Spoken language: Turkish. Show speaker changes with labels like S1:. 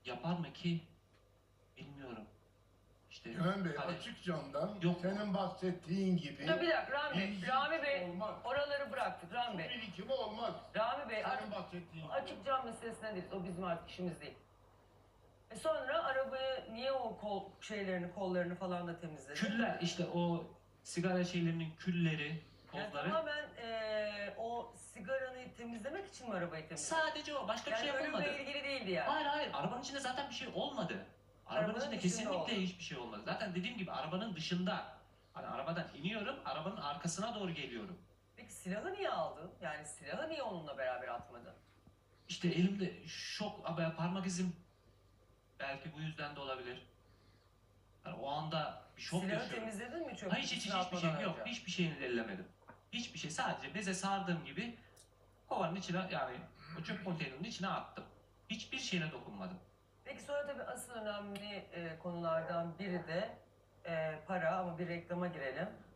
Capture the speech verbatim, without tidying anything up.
S1: yapar mı ki? Bilmiyorum. İşte
S2: Güven Bey
S1: hani-
S2: açık camdan
S1: Yok.
S2: senin bahsettiğin gibi
S3: Dur bir dakika Rami Bey.
S2: bir
S3: Rami Bey
S2: olmaz.
S3: oraları bıraktık Rami
S2: Su
S3: Bey.
S2: birikimi olmaz.
S3: Rami Bey
S2: Senin bahsettiğin gibi.
S3: açık cam meselesine değiliz. O bizim artık işimiz değil. E sonra arabayı niye o kol şeylerini, kollarını falan da temizledin?
S1: Küller işte o sigara şeylerinin külleri,
S3: Yani
S1: tozları.
S3: tamamen eee, o sigaranı temizlemek için mi arabayı temizledin?
S1: Sadece o. Başka bir
S3: Yani
S1: şey yapılmadı.
S3: ölümle ilgili değildi yani.
S1: Hayır hayır. Arabanın içinde zaten bir şey olmadı. Arabanın,
S3: Arabanın
S1: içinde
S3: dışında
S1: kesinlikle
S3: oldu.
S1: hiçbir şey olmadı. Zaten dediğim gibi arabanın dışında. Hani arabadan iniyorum, arabanın arkasına doğru geliyorum.
S3: Peki silahı niye aldın? Yani silahı niye onunla beraber atmadın?
S1: İşte elimde şok, abi parmak izim. Belki bu yüzden de olabilir. Yani o anda bir şok
S3: Silahı
S1: yaşıyorum.
S3: temizledin mi çöp
S1: Hayır hiç, hiç,
S3: kutusuna
S1: hiçbir şey
S3: atmadan
S1: yok.
S3: önce?
S1: Hiçbir şeyini ellemedim. Hiçbir şey. Sadece beze sardığım gibi kovanın içine, yani o çöp konteynerinin içine attım. Hiçbir şeyine dokunmadım.
S3: Peki sonra tabii asıl önemli e, konulardan biri de e, para, ama bir reklama girelim.